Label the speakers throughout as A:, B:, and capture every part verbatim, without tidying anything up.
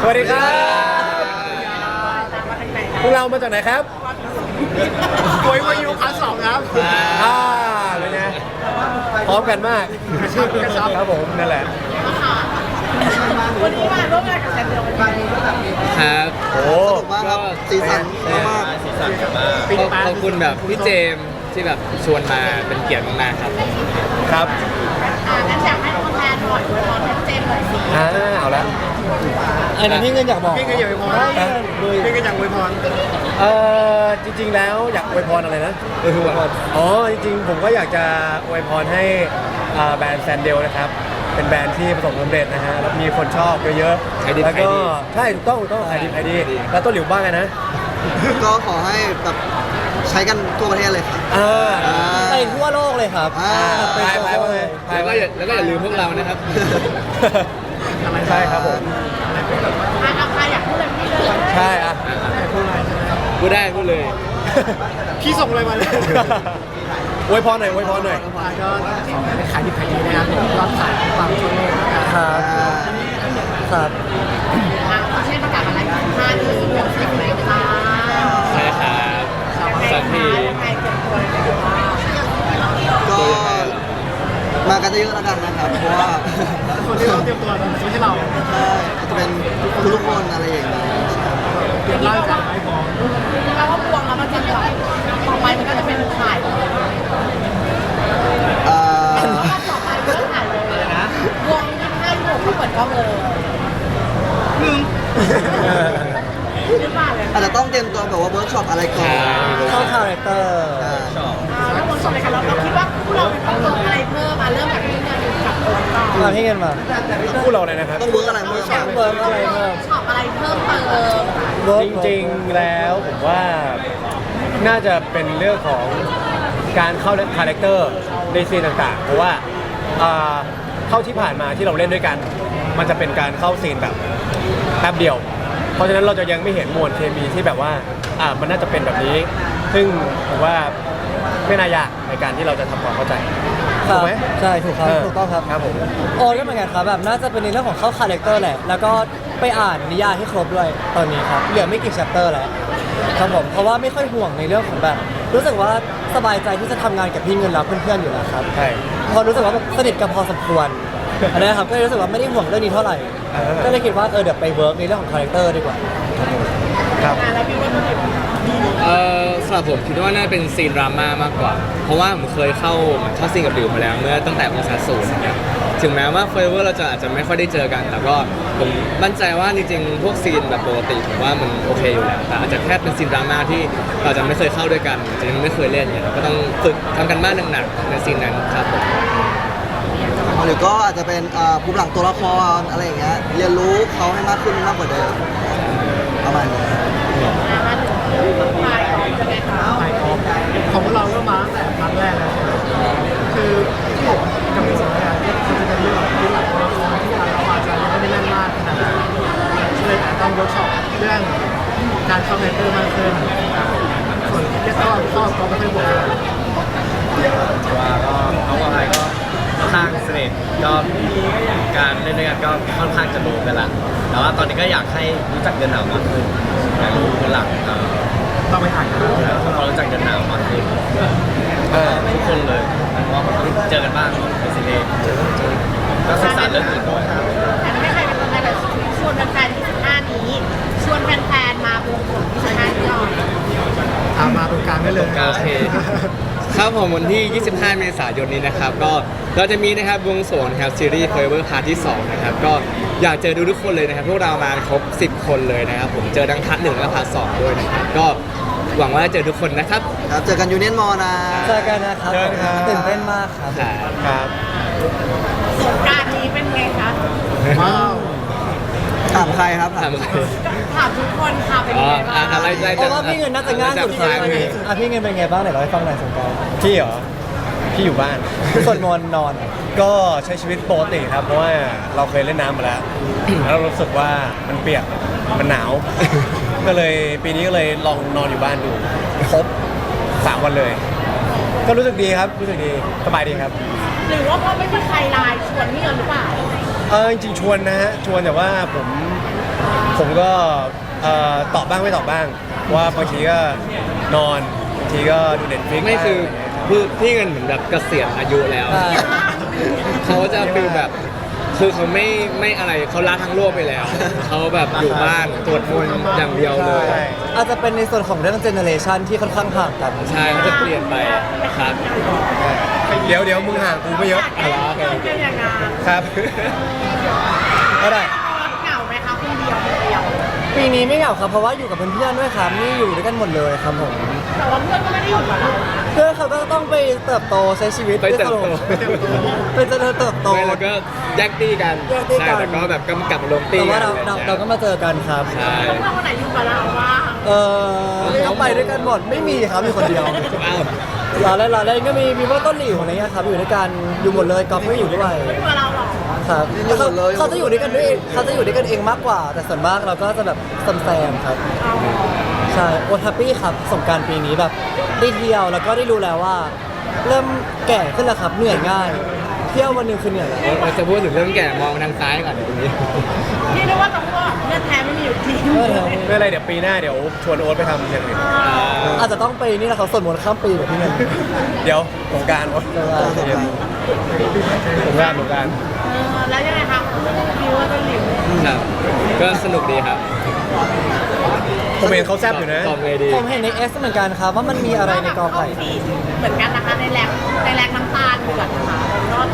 A: วัสดีครับพวกเรามาจากไหนครับ
B: โวยมาอยู่ครั้งสองครับ
A: อ่าเป็นไงพร้อมกันมาก
B: กระชับกระชับ
A: ครับผมนั่นแหละ
C: วันนี้มาร่วมงานกับแซมเดียวกัน
D: ครับ
A: โอ้
E: สนุกมากครับสีสันมาก
D: สีสันมากขอบคุณแบบพี่เจมส์ที่แบบชวนมาเป็นเกียรติมากๆครับ
A: ครับ
C: อ่างั้นอยากให้ตัวแทนหน่อยด้วยพรเจมส์หน่อยสิ
A: อ่าเอาละ
E: ไอ้นั่นพี่เงินอยากบอก
B: พี่ก็อยากอวยพรพี่ก็อยากอวยพร
A: เออจริงๆแล้วอยากอวยพรอะไรนะอวยพรอ๋อจริงๆผมก็อยากจะอวยพรให้อ่าแบรนด์แซนเดลนะครับเป็นแบรนด์ที่ประสบความสำเร็จนะฮะแล้วมีคนชอบเยอะ
D: ขายดี
A: ๆแล้วก็
D: ขายดี
A: ใช่ถูกต้องถูกต้องขายดีขายดี
D: ขายดี
A: แล้วต้นหลิวบ้างไงนะ
E: ก็ขอให้แบบใช้กันทั่วประเทศเลยครับ
A: อ่า
E: ไปทั่วโลกเลยครับอ่า
A: ไปไปไปไป
D: แล้ว
A: ไป
D: ก็อย่าแล้วก็อย่าลืมพวกเรานะครับ
A: ใช่ครับผม
C: อ่าใครอยากพูดอะไรพี่เลย
A: ใช่อ่ะ
D: พูดได้พูดเลย
B: พี่ส่งอะไรมาเลย
A: อวยพรหน่อยอวยพรหน่อย
B: ก็เป็นขายดีขายดีนะครับยอดขายความทั่วโลกนะครับ
A: ครับครับ
C: อ่าเช่นประกาศอะไรห้าที่สิบหกสิบเลยค่ะ
D: ใช่ครับสักที
C: ยังไงเก็บตัวเลยค่ะ
E: ก็มากันเยอะๆแล้วกันนะครับ เพราะว่า
B: คนที่เราเตรียมตัวไม่ใช่เรา
E: เอ่ออาจจะเป็นทุกๆคนอะไรอย่างเงี้ย
B: เตรียมร่างกายให้พร้อม
C: แปลว่าบวงแล้วมันจะแบบต่อไปมันก็จะเป็นถ่ายเลย
E: เอ่อ
C: ต่อไปมันก็ถ่ายเลยนะบวงยี่ห้ายี่หกก็เปิดกล้องเลยหนึ่งหรือเปล่าเลย
E: อาจจะต้องเตรียมตัวแบบว่าเวิร์กช็อปอะไรก่อน
A: เข้าคาแรคเตอร์
E: อ่า
C: แล้วคนส่งรายการเราเราคิดว่าพวกเราต้องลงอะไรเพิ่มมาเริ่มจากที่เงินกับตัวก่อน
A: มาพี่เงินมาพูดเราเลยนะครับ
E: ต้องเวิร์กอะไรเพิ่มบ้าง
A: เวิร์กอะไรเพิ่ม
C: ช็อปอะไรเพิ่มเติม
A: จริงๆแล้วผมว่าน่าจะเป็นเรื่องของการเข้าคาแรคเตอร์ในซีนต่างๆ เพราะว่าอ่าเข้าที่ผ่านมาที่เราเล่นด้วยกัน มันจะเป็นการเข้าซีนแบบแป๊บเดียว เพราะฉะนั้นเราจะยังไม่เห็นมวลเคมีที่แบบว่าอ่ามันน่าจะเป็นแบบนี้ ซึ่งผมว่าไม่น่ายากในการที่เราจะทำความเข้าใจ
F: ค
A: ถู
F: รั
A: ก
F: บ
A: ไหม
F: ใช่ถูกครับ
A: เออ
F: ถูกต้องครับ
A: ครับผม
F: โอนก็เหมือนกันครับแบบน่าจะเป็นในเรื่องของเข้าคาแรคเตอร์แหละแล้วก็ไปอ่านนิยายให้ครบด้วยตอนนี้ครับเหลือไม่กี่ chapter แล้วครับผมเพราะว่าไม่ค่อยห่วงในเรื่องของแบบ รู้สึกว่าสบายใจที่จะทำงานกับพี่เงินแล้วเพื่อนๆอยู่แล้วครับ
A: ใช่
F: พอรู้สึกว่าแบบสนิทกันพอสมควรอันนี้ครับก็เลยรู้สึกว่าไม่ได้ห่วงเรื่องนี้เท่าไหร่
A: เออ
F: ก็เลยคิดว่าเออเดี๋ยวไปเวิร์กในเรื่องของคาแรคเตอร์ดีกว่า
A: ครับ
C: แล้วพี่ว่ามันเป็น
D: เออสำหรับผมคิดว่าน่าเป็นซีนดราม่ามากกว่า เพราะว่าผมเคยเข้าเหมือนเข้าซีนกับดิวมาแล้วเมื่อตั้งแต่องศาศูนย์นะครับถึงแม้ว่าเฟเวอร์เราจะอาจจะไม่ค่อยได้เจอกัน แต่ก็ผมมั่นใจว่าจริงๆพวกซีนแบบปกติผมว่ามันโอเคอยู่แล้วแต่อาจจะแค่เป็นซีนดราม่าที่เราจะไม่เคยเข้าด้วยกันอาจจะยังไม่เคยเล่นเนี่ยก็ต้องฝึกทำกันบ้านหนักๆในซีนนั้นครับผม
E: หรือก็อาจจะเป็นอ่าภูมิหลังตัวละครอะไรอย่างเงี้ยเรียนรู้เขาให้มากขึ้นมากกว่าเดิมประมาณนี้
C: มาถึงถ่ายของจะไงคะ
B: ขายของของพวกเราก็มาตั้งแต่ครั้งแรกแล้วคือที่ผมกับพี่สองเนี่ยมันจะเป็นเรื่องที่หลักตัวละครที่เราอาจจะยังไม่ได้แน่นมากขนาดนั้นเลยอาจจะต้องเวิร์กช็อปเรื่องการเข้าคาแรคเตอร์มากขึ้นส่วนที่เข้าเข้าก็ไม่ค่อยบวกเลย
G: ว่าก็น้องวายก็ค่อนข้างสนิทก็การเล่นด้วยกันก็ค่อนข้างจะรู้กันละแต่ว่าตอนนี้ก็อยากให้รู้จักเดินหนาวมากขึ้นอยากรู้คนหลังเอ่อ
B: ต้องไปถ่ายกันแล้ว
G: แล้วทำความรู้จักเดินหนาวมากขึ้น
A: เออ
G: ทุกคนเลยเพราะว่ามันต้องเจอกันบ้างในซีรีส์ก็ศึกษาเรื่องอื่นด้วย
C: แต่ไม่ใครเป็นคนไทยแบบชวนแฟนๆที่สิบห้านี้ ชวนแฟนๆมาบวงสรวงที่สิบห้าที่ยอด
B: ถามมาตรงกลางได้เลย
D: โอเค ครับผมวันที่ ยี่สิบห้า เมษายนนี้นะครับ ก็เราจะมีนะครับวงสวงนะครับซีรีส์ Forever Part ที่ สอง นะครับ ก็อยากเจอดูทุกคนเลยนะครับ พวกเรามาครบ สิบ คนเลยนะครับ ผมเจอทั้งพาร์ทหนึ่งและพาร์ทสองด้วยนะครับ ก็หวังว่าจะเจอทุกคนนะครับ
E: ครับเจอกันยูเนียนมอนะ
F: เจอกันนะครับ
A: เจอกันครับ
F: ตื่นเต้นมากครับ
A: ครับ
C: สงกรารนี้เป็นไงคะ
B: ว้าว
E: ถามใครครับ
D: ถาม
C: ถามทุกคนค่ะเป็น
D: อ๋อ
C: ไงบ้าง
D: อะไรอะไร
F: เพราะว่าพี่เงินน่าจะง่ายสุด
D: ท้าย
F: วันนี้อ่ะพี่เงินเป็นไงบ้างไหนเราให้ฟังหน่อยสงกรานต์
A: พี่เหรอ พี่อยู่บ้าน
F: สวดมนต์นอน
A: ก็ใช้ชีวิตปกติครับ เพราะว่าเราเคยเล่นน้ำมาแล้ว แล้วเรารู้สึกว่ามันเปียก มันหนาว ก็เลยปีนี้ก็เลยลองนอนอยู่บ้านดูครบสามวันเลย ก็รู้สึกดีครับ รู้สึกดี สบายดีครับ
C: หรือว่าเพราะไม่มีใครไลน์ชวนพี่เงินหรือเปล่า
A: เออจริงๆชวนนะฮะ ชวนแต่ว่าผมผมก็เอ่อตอบบ้างไม่ตอบบ้าง ว่าบางทีก็นอนบางทีก็ดูเน็ตฟลิก
D: ไม่คือคือพี่เงินเหมือนแบบเกษียณอายุแล้ว
F: ใช่
D: เขาจะฟีลแบบคือเขาไม่ไม่อะไรเขาละทั้งโลกไปแล้ว เขาแบบอยู่บ้านตรวจมนต์อย่างเดียวเลย
F: ใช่อาจจะเป็นในส่วนของเรื่องเจเนอเรชันที่ค่อนข้างห่างกัน
D: ใช่เขาจะเปลี่ยนไปครับ
A: เดี๋ยวเดี๋ยวมึงห่างกูไม่เยอะ
C: อะไรเป็นอย่างนั้น
A: ครับ
F: ก็ได้
C: เหงาไหมคะคนเดียวคนเดียว
F: ปีนี้ไม่เหงาครับเพราะว่าอยู่กับเพื่อนๆด้วยครับนี่อยู่ด้วยกันหมดเลยครับผม
C: แต่ว่าเพื่อนก็ไม่ได้อยู่กับเรา
F: เพื่อนเขาก็ต้องไปเติบโตใช้ชีวิต
D: ไปเติบโต
F: ไปเจริญเติบโต
D: ไม่แล้วก็แยกตีกัน
F: แยกตี้กัน
D: ใช่แต่ก็แบบกำกับลงตี
F: แต่ว่าเรา
D: กัน
F: เราเราก็มาเจอกันครับ
D: ใช่
C: เพื่อนคนไหนอยู่กับเราบ้าง
F: เออก็ไปด้วยกันหมดไม่มีครับมีคนเดียว
D: อ้าว
F: เราเล่นเราเล่นก็มีมีพวกต้นหลิวอะไรเงี้ยครับอยู่ด้วยกันอยู่หมดเลยกอล์ฟก็อยู่ด้วย
C: ไม่อยู่กับเราหรอ
F: ครับเขาเขาจะอยู่ด้วยกันด้วยเองเขาจะอยู่ด้วยกันเองมากกว่า แต่ส่วนมากเราก็จะแบบแซมๆครับใช่โอแฮปปี้ครับสงกรารปีนี้แบบได้เที่ยวแล้วก็ได้รู้แล้วว่า เริ่มแก่ขึ้นแล้วครับเหนื่อยง่าย เที่ยววันหนึ่งคือเหนื่อยแล้ว
D: เราจะพูดถึงเรื่องแก่มองทางซ้ายก่อนตรงนี้
C: พี่รู้ว่าตรงว่าเลือดแท้ไม่มีอยู่จริง
F: เออ
A: ไม่เป็นไรเดี๋ยวปีหน้าเดี๋ยวชวนโอ๊ตไปทำอย่างอื่น
F: อาจจะต้องไปนี่แหละครับสวดมนต์ข้ามปีแบบพี่เงิน
A: เดี๋ยวสงกรารโอ๊ต
F: เออ
A: สงกรารสงกรารสงกราร
C: เออแล้วยังไงคะคิวว่าต้นหลิว
D: ครับ ก็สนุกดีครับ
A: ผมเห็นเขาแซบอยู่นะ
D: ตอบเลยดี
F: ผมเห็นในเอสเหมือนกันครับว่ามันมีอะไรในกอไผ่
C: ฟีดเหมือนกันนะคะในแรงในแรงน้ำตาลเดือดนะคะรอด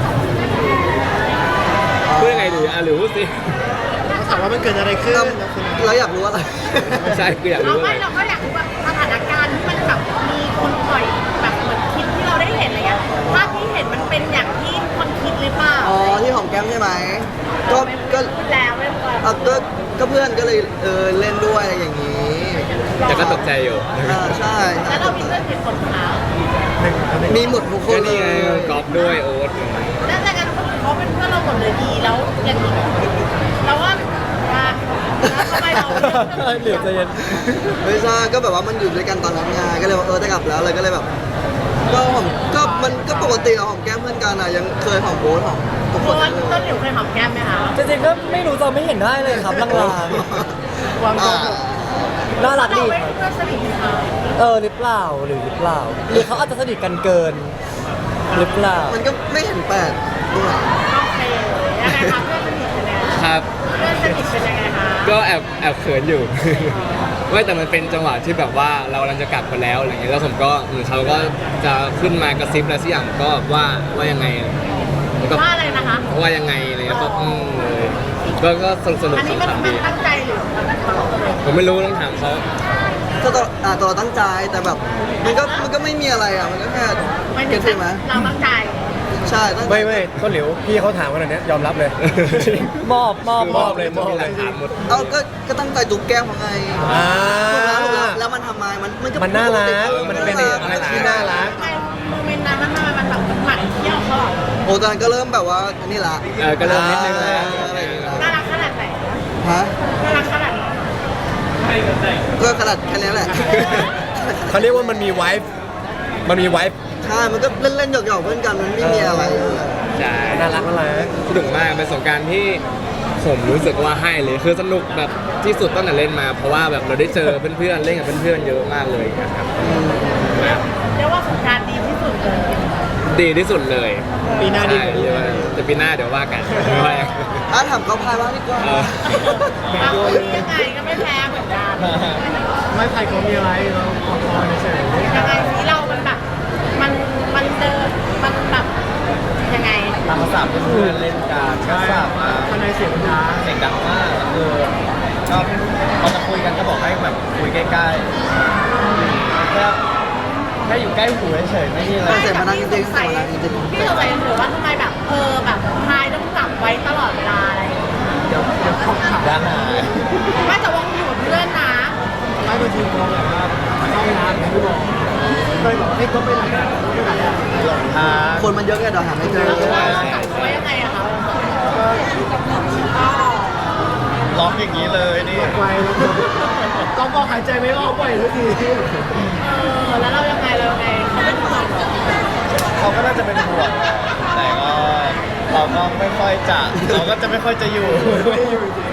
D: พูดยังไงดีอ่ะหรือพูดสิ
B: ถามว่ามันเกิดอะไรขึ้น
E: เราอยากรู้อะไร
D: ไม่ใช่คืออยาก
C: เรา
D: รู้อะไร
C: ไม่เราก็อยากรู้ว่าสถานการณ์ที่มันแบบมีคนปล่อยแบบเหมือนคลิปที่เราได้เห็นอะไรเงี้ยภาพที่เห็นมันเป็นอย่างที่คนคิดหรือเปล่า
E: อ๋อที่หอมแก้มใช่ไหมก็ก็
C: พูดแล้วไม่พอ
E: เอาก็ก็เพื่อนก็เลยเออเล่นด้วยอะไรอย่างนี้
D: แต่ก็ตกใจอยู่
E: อ่าใช่
C: แล้วเรามีเพื่อนกี่คนคะ
E: มีหมดทุกค
D: ก็
E: นเล
D: นี่ไง
E: ย
D: กอล์ฟด้วยโอ๊ต
C: แล้วแต่กันเขาเป็นเพื่อนเราหมดเลยดีแล้วอย่างนี้เราว่าว่าทำไมเรา
F: เหลือใจเย็น
E: ไม่ใช่ก็แบบว่ามันอยู่ด้วยกันตอนนั้นไงก็เลยว่าเออจะกลับแล้วเลยก็เลยแบบ ก็หอมก็มันก็ปกติเราหอมแก้มเพื่อนกันอ่ะยังเคยหอมโบ๊ทหอมทุกค
C: ตั
E: น
C: ว
E: เลย
C: ต้นหลิวเคยหอมแก้มไหมคะ
F: จริงๆก็ไม่รู้จะไม่เห็นได้เลยครับลาง
B: ความ
E: อ่า
F: ๆน่ารัก
C: เรา
F: ดี
C: ไม่
F: ครับ
C: เพื่อนสนิทกัน
F: เออหรือเปล่าหรือหรือเปล่า หรือเขาอาจจะสนิทกันเกิน หรือเปล่า
E: มันก็ไม่เห็นแปลกตรงไหน
C: โอเคยังไงคะเพื่อนสนิทเป็นยังไง
D: ครับ
C: เพื่อนสนิทเป็นยังไงคะ
D: ก็แอบแอบเขินอยู่ ไม่แต่มันเป็นจังหวะที่แบบว่าเรากำลังจะกลับกันแล้วอะไรเงี้ยแล้วผมก็เหมือนเขาก็จะขึ้นมากระซิบอะไรสักอย่างก็ว่าว่ายังไงแล้วก็
C: ว่าอะไรนะคะ
D: ว่ายังไงอะไรเงี้ยก็อืมเลยก็ก็สนุกสนุก
C: อันนี้มัน
D: ขำๆ
C: มั
D: ดี
C: นตั้งใจหรือมันตลกเลย
D: ผมไม่รู้ต้องถามเขา
E: ก็ตัวอ่าตัวเราตั้งใจแต่แบบ มันก็มันก็ไม่มีอะไรอ่ะมันก็แค่
C: ไม่
E: เก็ตใช่ไหม
C: เราตั้งใจ
E: ใช่ตั้งใจ
A: ไม่ไม่ต้นหลิวพี่เขาถามขนาดเนี้ยยอมรับเลย
F: มอบมอบ
A: มอบเลยมอบเลย
D: ถามหมด
E: เอาก็ก็ตั้งใจจุ๊บแก้มของไง
A: อ่า
E: ถูกแล้วถูกแล้วแล้วมันทำไมมันมันก็
A: มันน่ารักมันเป็นอะไรที่น่ารัก
C: ทำไมโมเมนต์นั้นมันทำไมมันแบบหมั่นเที่ยวเขาเหรอ
E: โอ้ตอนนั้นก็เริ่มแบบว่านี่ละ
D: เออก็เริ่มนิดนึงแล้ว
E: อะไรอย่างเงี้ย
C: น่ารักขนาดไหน
E: ฮะ
C: น่ารักขนาดไหน
E: ก็ขนาดแค่นี้แหละ
A: เขาเรียกว่ามันมีไวฟ์มันมีไวฟ์
E: ใช่ มันก็เล่นๆหยอกๆเพื่อนกัน มันไม่มีอะไร
D: ใช่
A: น่ารักน่ารัก
D: สนุกมากเป็นสงกรารที่ผมรู้สึกว่าให้เลยคือสนุกแบบที่สุดตั้งแต่เล่นมา เพราะว่าแบบเราได้เจอเพื่อนๆเล่นกับเพื่อนๆเยอะมากเลยนะครับ
C: เรียกว่าสงกรารดีที่สุดเลย
D: ดีที่สุดเลย
B: ปีหน้าดี
D: ใช่
B: กว่านี้
D: เรียกว่าแต่ปีหน้าเดี๋ยวว่ากันไม่ว่าอย่าง
E: ถ้าถามเขาพายบ้างดีกว่า
D: เออ
C: บางคนยังไงก็ไม่แพ้เหมือนกัน
B: ไม่ใครเขามีอะไรเราขอพรเฉย
C: ยังไงที่เรามันแบบมันมันเดินมันแบบยังไง
G: ตามภาษาเพื่อนๆเล่นกันก็ทราบมา
B: ภายในเสียงดัง
G: เสียงดังมากก็คือก็พอจะคุยกันก็บอกให้แบบคุยใกล้ๆแค่แค่อยู่ใกล้หูเฉยๆไม่มีอะไร
E: เสียงมันดังจริงๆเสียงมันดังจริงๆ
C: พี่สงสัยถือว่าทำไมแบบเออแบบพายต้องจับไว้ตลอดเวลาอะไรอย่างเงี้ย
B: เดี๋ยวเดี๋ยวเขาขับ
G: ด้านหน้า
C: ไม่แต่ว่าอยู่กับเพื่อนนะ
B: ไม่บางทีเขาแบบว่าเข้าห้องน้ำอย่างที่บอกเคยบอกให้เขาไปไหนอะไปไหนอะ
G: ทาง
E: คนมันเยอะไงเดี๋ยวหาไม่เจอ
C: แล้วเราจับเขาไว้ยังไงอะคะก็
G: ล็อกอย่างนี้เลยนี่
B: ไวแล้วก็ก็หายใจไม่ออกบ่อยทุกที
C: เออแล้วเรายังไงเรายังไงเขาเป็นห่วงเหรอ
G: เขาก็น่าจะเป็นห่วงแต่ก็เราก็ไม่ค่อยจะเราก็จะไม่ค่อยจะอยู่
B: ไม่อยู่จริง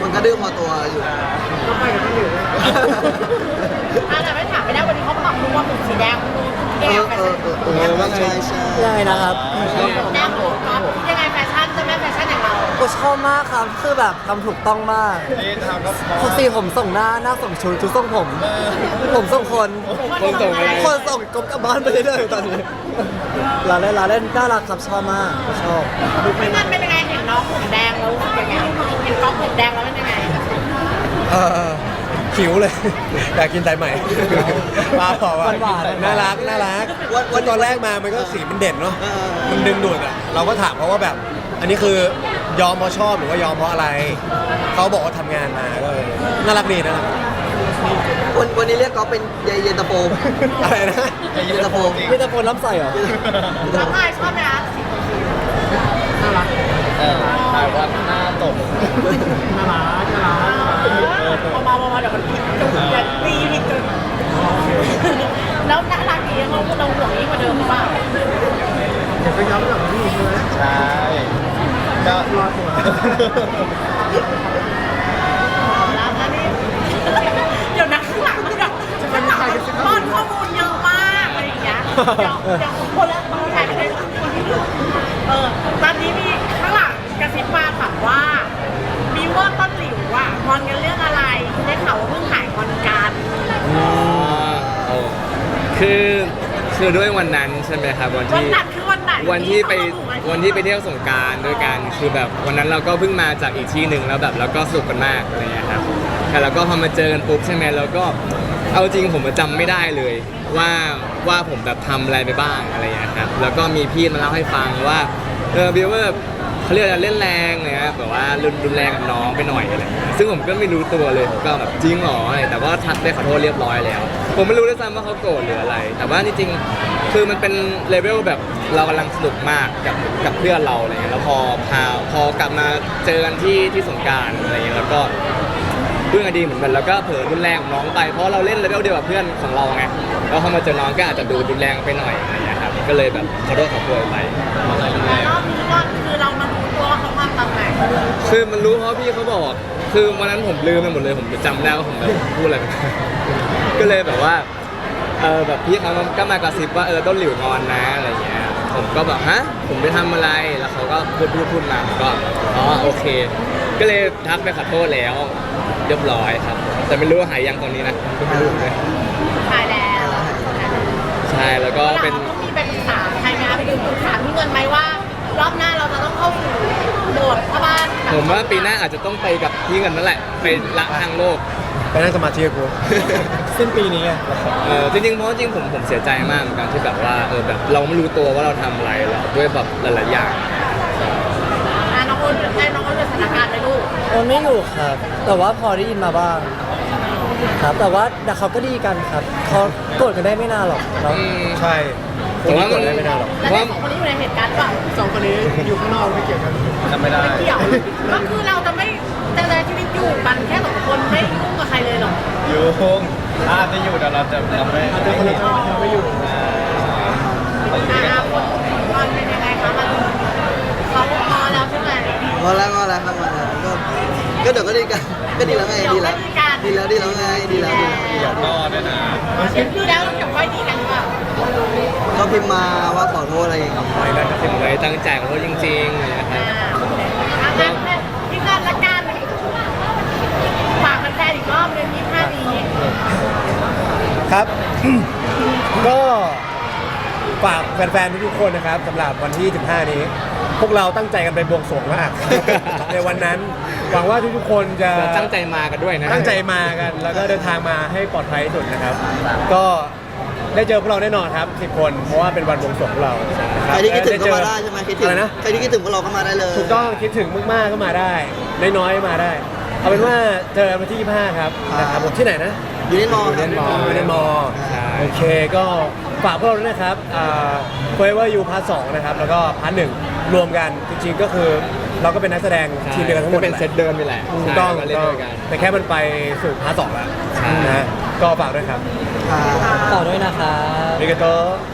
E: มันก็ดื้อพอตัวอยู่
B: ก็ไปกับคนอื่นเลย
C: อ่ะแต่ไม่ถามไม่ได้วันนี้เขาบอกรู้ว่าผมสีแดงรู้แด
E: เอง อ
C: แฟ
E: เอ
C: ชั่
E: อน เออเออว่าไงใช่ใช่
F: ยังไงนะครับ
C: แดงรู้ก๊อฟยังไงแฟชั่นจะแม่แฟชั่นอย่างเรา
F: กูชอบมากครับคือแบบทำถูกต้องมาก
G: นี่ทำก็พอ
F: ปกติผมส่งหน้าหน้าส่งชุดชุดส่งผม ผมส่งคน
D: คนส่งอะไร
F: คนส่งกบกลับบ้านไปเรื่อยๆตอนนี้ลาเล่นลาเล่นน่ารักครับชอบมากชอบ
C: ไม่งั้นเป็นยังไงเห็นน้องผมแดงแล้วรู้สึกยังไงเห็นก๊อฟผมแดงแล้วเป็นยังไง
A: เออหิวเลย อยากกินสายใหม่ปลาเปล่าว่าน่ารักน่ารักวันตอนแรกมามันก็สีมันเด่นเนาะ
E: เออ
A: มันดึงดูดอ่ะเราก็ถามเขาว่าแบบ อันนี้คือยอมเพราะชอบหรือว่ายอมเพราะอะไรเขาบอกว่าทำงานมาก็เลยน่ารักดีนะครับ
E: วันวันนี้เรียกก๊อฟเป็นเยเย็นตาโฟ
A: อะไรนะ
E: เย็นตาโฟ
F: มีแต่คนรับใส่เหรอ
C: น้องพายชอบไหมคะ
B: น่ารัก
G: เออถ่ายว่าหน้าตก
B: น่ารักน่ารัก
C: เบาๆเบาๆเดี๋ยวมันผิดจุดอย่าตีผิดจุดแล้วน่ารักดีเขาเราห่วงยิ่งกว่าเดิมหรือเปล่า
B: เดี๋ยวไปย้อมกับพี่ใช่ไหม
G: ใช่ก็
B: รอตัว
C: แล้วอันนี้เดี๋ยวนะข้างหลังมันแบบข้างหลังมันป้อนข้อมูลเยอะมากอะไรอย่างเงี้ยเดี๋ยวเดี๋ยวคนละคนถ่ายไปเลยคนที่ดูเออตอนนี้มีข้างหลังกระซิบมาถามว่ามีว่าต้นหลิวอ่ะงอนกันเรื่องอะไรได้ข่าวว่าเพิ่งหายงอนกัน
D: อ๋อโอ้คือคือด้วยวันนั้นใช่ไหมครับวัน
C: วัน
D: ที่
C: ไหนคือวันไหน
D: วันที่ไปวันที่ไปเที่ยวสงกรารด้วยกันคือแบบวันนั้นเราก็เพิ่งมาจากอีกที่หนึ่งแล้วแบบเราก็สนุกกันมากอะไรเงี้ยครับแต่เราก็พอมาเจอกันปุ๊บใช่ไหมเราก็เอาจริงผมจำไม่ได้เลยว่าว่าผมแบบทำอะไรไปบ้างอะไรเงี้ยครับแล้วก็มีพี่มาเล่าให้ฟังว่าเออบิวว่าเขาเรียกอะไรเล่นแรงเนี่ยแบบว่ารุนรุนแรงกับน้องไปหน่อยอะไรเงี้ยซึ่งผมก็ไม่รู้ตัวเลยผมก็แบบจริงเหรออะไรแต่ว่าทักได้ขอโทษเรียบร้อยแล้ว ผมไม่รู้ด้วยซ้ำว่าเขาโกรธหรืออะไร แต่ว่าจริงๆคือมันเป็นเลเวลแบบเรากำลังสนุกมากกับกับเพื่อนเราอะไรเงี้ยแล้วพอพาพอกลับมาเจอกันที่ที่สงกรารอะไรเงี้ยแล้วก็เพื่อนกันดีเหมือนกันแล้วก็เผลอรุนแรงกับน้องไปเพราะเราเล่นเลเวลเดียวกับเพื่อนของเราไงแล้วพอมาเจอน้องก็อาจจะดูรุนแรงไปหน่อยอะไรเงี้ยครับก็เลยแบบขอโทษขอโพยไป
C: แต่รอบนี้ก็คือเรามารู้ตัวว่าเขามาตอนไหน
D: คือมันรู้เพราะพี่เขาบอก คือวันนั้นผมลืมไปหมดเลยผมจำไม่ได้ว่าผมแบบพูดอะไรไป ก็เลยแบบว่าเออแบบพี่เขาก็มากระซิบว่าเออต้นหลิวงอนนะอะไรเงี้ยผมก็แบบฮะผมไปทำอะไรแล้วเขาก็พูดพูดพูดมาผมก็อ๋อโอเค ก็เลยทักไปขอโทษแล้วเรียบร้อยครับ แต่ไม่รู้ว่าหายยังตอนนี้นะไม่รู้เลย
C: ถ่ายแล้ว
D: ใช่แล้วก็
C: เรา
D: เป็น
C: ต้องมีไปปรึกษาใครไหมคะไปดูปรึกษาพี่เงินไหมว่ารอบหน้าเราจะต้องเข้าสู่โหมดพ่อบ้าน
D: ผมว่าปีหน้าอาจจะต้องไปกับพี่เงินนั่นแหละไปละทางโลก
A: ไปนั่งสมาธิกับกู
F: สิ้นปีนี้ไง
D: เออจริงๆเพราะจริงๆผมผมเสียใจมากเหมือนกันที่แบบว่าเออแบบเราไม่รู้ตัวว่าเราทำอะไรแล้วด้วยแบบหลายๆอย่าง
C: อ่ะน้องโอนได้น้องโอนเป็นสถานการณ์ไหมลูก
F: โอนไม่อยู่ครับ แต่ว่าพอได้ยินมาบ้างครับแต่ว่าแต่เขาก็ดีกันครับเขาโกรธกันได้ไม่นานหรอกเนาะ
D: อืม
A: ใช่ผมว่ามันได้ไม่นานหรอก
C: แล้วได้สองคนนี้อยู่ในเหตุการณ์เปล่า
B: สองคนนี้อยู่ข้างนอกไม่เกี่ยวกัน
G: จำไม่ได้
C: ไม่เกี่ยวก็คือเราจะไม่จะใช้ชีวิตอยู่กันแค่สองคนไม่ยุ่งกับใครเลยหรอก
G: อยู่อาจจะอยู่แต่เราจะเราไม่
B: อาจจะคนละจังหวัดเราไม่อยู่
C: อ่าคนคนเป็นยังไงคะมันเขาพอแล้วใช่ไหม
E: พอแล้วพอแล้วครับพอแล้วก็ก็เดี๋ยวก็ดีกันก็ดีแล้วไงดีแล้วดีแล้วดีแล้วไงดีแล้วดีแล้ว
G: เดี๋ยวก็ด้วยนะ
C: เดี๋ยวดีแล้วเดี๋ยวค่อยดีกันดีกว่า
E: เขาพิมพ์มาว่าขอโทษอะไรอย่างเงี้ย
A: ไปแล้วก็
D: ผมเลยตั้งใจขอโทษจริงๆเลยนะครับ
C: อ่างั้นพี่เงินละกันฝากแฟนๆอีกรอบหนึงยี่สิบห้านี้
A: ครับ ก็ฝากแฟนๆทุกๆคนนะครับสำหรับวันที่สิบห้านี้ พวกเราตั้งใจกันไปบวงสรวงมาก ในวันนั้นหวังว่าทุกๆคนจะ
D: ตั้งใจมากันด้วยนะ
A: ตั้งใจมากัน แล้วก็เดินทางมาให้ปลอดภัยที่สุดนะครับ ก็ได้เจอพวกเราแน่นอนครับสิบคน เพราะว่าเป็นวันบวงสรวงพวกเรา
E: ใครที่คิดถึงก็มาได้ใช่ไหมคิดถึง
A: อะไรนะ
E: ใครที่คิดถึงพวกเราก็มาได้เลย
A: ถูกต้องคิดถึงมากๆก็มาได้ น้อยๆมาได้ เอาเป็นว่าเจอกันวันที่ยี่สิบห้าครับนะครับผมที่ไหนนะ
E: อยู่ในมอ
A: อยู่ในมออยู่ในมอ
D: ใช่
A: โอเคก็ฝากพวกเราด้วยนะครับอ่า Forever You พาร์ทสองนะครับแล้วก็พาร์ทหนึ่งรวมกันจริงๆก็คือเราก็เป็นนักแสดงทีมเดียวกันทั้งหมด
D: ก็เป็นเซตเดิมนี่แหละ
A: ถูกต้อง
D: ใช่ก็เล่นด้วยกัน
A: แต่แค่มันไปสู่พาร์ทสองแล้ว
D: ใช่
A: นะก็ฝากด้วยครับ
E: อ่า
F: ต่อด้วยนะครับ
A: มิกาโต